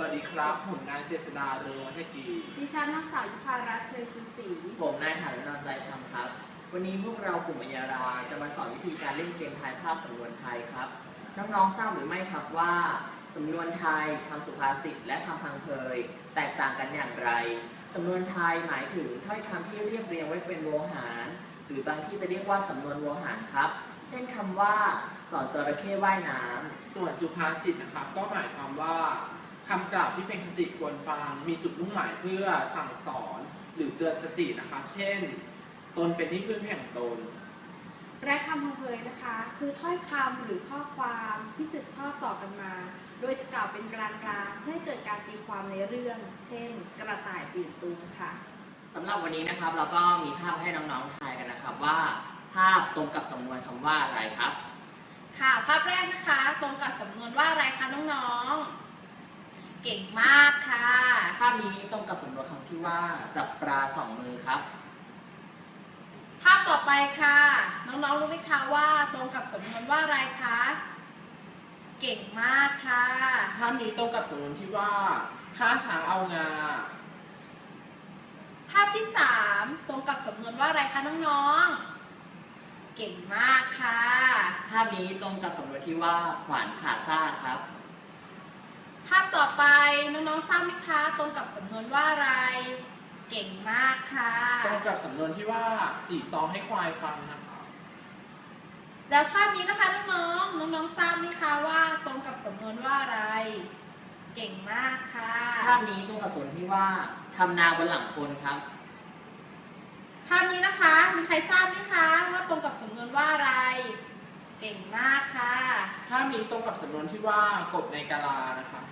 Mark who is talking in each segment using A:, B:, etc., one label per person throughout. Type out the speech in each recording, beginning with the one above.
A: วัสดีครับผมนายเจษฎาเรืองวัฒกี
B: ดิฉันนางสาวยุพารัตน์เชยชูศรี
C: ผมนายฐานุนใจธรรมครับวันนี้พวกเรากลุ่มอัญญาราจะมาสอนวิธีการเล่นเกมทายภาพสำนวนไทยครับน้องๆทราบหรือไม่ครับว่าสำนวนไทยคำสุภาษิตและคำพังเพยแตกต่างกันอย่างไรสำนวนไทยหมายถึงถ้อยคำที่เรียบเรียงไว้เป็นโวหารหรือบางที่จะเรียกว่าสำนวนโวหารครับเช่นคำว่าสอนจระเข้ว่ายน้ำ
A: ส่วนสุภาษิตนะครับก็หมายความว่าคำกล่าวที่เป็นคติควรฟังมีจุดมุ่งหมายเพื่อสั่งสอนหรือเตือนสตินะครับเช่นตนเป็นที่พึ่งแห่งตน
B: และคำพังเพยนะคะคือถ้อยคำหรือข้อความที่สืบทอดต่อกันมา โดยจะกล่าวเป็นกลางๆเพื่อให้เกิดการตีความในเรื่อง เช่น กระต่ายตื่นตูมค่ะ
C: สำหรับวันนี้นะครับเราก็มีภาพให้น้องๆทายกันนะครับว่าภาพตรงกับสำนวนคำว่าอะไรครับ
B: ค่ะภาพแรกนะคะตรงกับสำนวนว่าอะไรคะน้องๆเก่งมากค่ะ
C: ภาพนี้ตรงกับสำนวนคำที่ว่าจับปลาสองมือครับ
B: ภาพต่อไปค่ะน้องๆรู้ไหมคะว่าตรงกับสำนวนว่าอะไรคะเก่งมากค่ะ
A: ภาพนี้ตรงกับสำนวนที่ว่าฆ่าช้างเอางา
B: ภาพที่3ตรงกับสำนวนว่าอะไรคะน้องๆเก่งมากค่ะ
C: ภาพนี้ตรงกับสำนวนที่ว่าขวานผ่าซากครับ
B: ภาพต่อไปน้องๆทราบไหมคะตรงกับสำนวนว่าอะไรเก่งมากค่ะ
A: ตรงกับสำนวนที่ว่าสีซองให้ควายฟังนะครับ
B: แล้วภาพนี้นะคะน้องๆทราบไหมคะว่าตรงกับสำนวนว่าอะไรเก่งมากค่ะ
C: ภาพนี้ตรงกับสำนวนที่ว่าทำนาบนหลังคนครับ
B: ภาพนี้นะคะมีใครทราบไหมคะว่าตรงกับสำนวนว่าอะไรเก่งมากค่ะ
A: ภาพนี้ตรงกับสำนวนที่ว่ากบในกาลานะครับ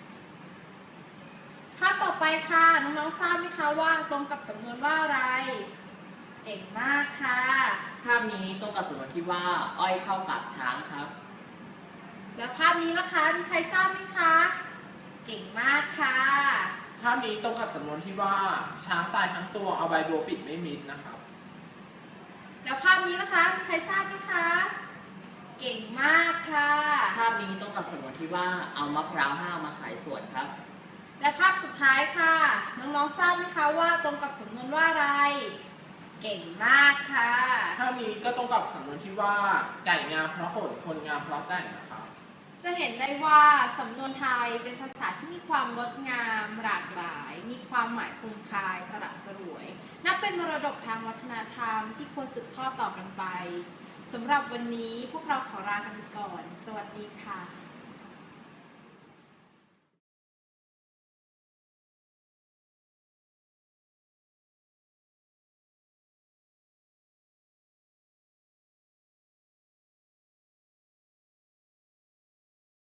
B: ภาพต่อไปค่ะน้องๆทราบไหมคะว่าตรงกับสำนวนว่าอะไรเก่งมากค่ะ
C: ภาพนี้ตรงกับสำนวนที่ว่าอ้อยเข้าปากช้างครับ
B: แล้วภาพนี้นะคะมีใครทราบไหมคะเก่งมากค่ะ
A: ภาพนี้ตรงกับสำนวนที่ว่าช้างตายทั้งตัวเอาใบบัวปิดไม่มิดนะครับ
B: แล้วภาพนี้นะคะมีใครทราบไหมคะเก่งมากค่ะ
C: ภาพนี้ตรงกับสำนวนที่ว่าเอามะพร้าวห้าวมาขายสวนครับ
B: และภาพสุดท้ายค่ะน้องๆทราบไหมคะว่าตรงกับสำนวนว่าอะไรเก่งมากค่ะ
A: ภาพนี้ก็ตรงกับสำนวนที่ว่าไก่งามเพราะขนคนงามเพราะแต่งนะครับ
B: จะเห็นได้ว่าสำนวนไทยเป็นภาษาที่มีความงดงามหลากหลายมีความหมายคมคายสระสรวยนับเป็นมรดกทางวัฒนธรรมที่ควรสืบทอดต่อกันไปสำหรับวันนี้พวกเราขอลากันก่อนสวัสดีค่ะ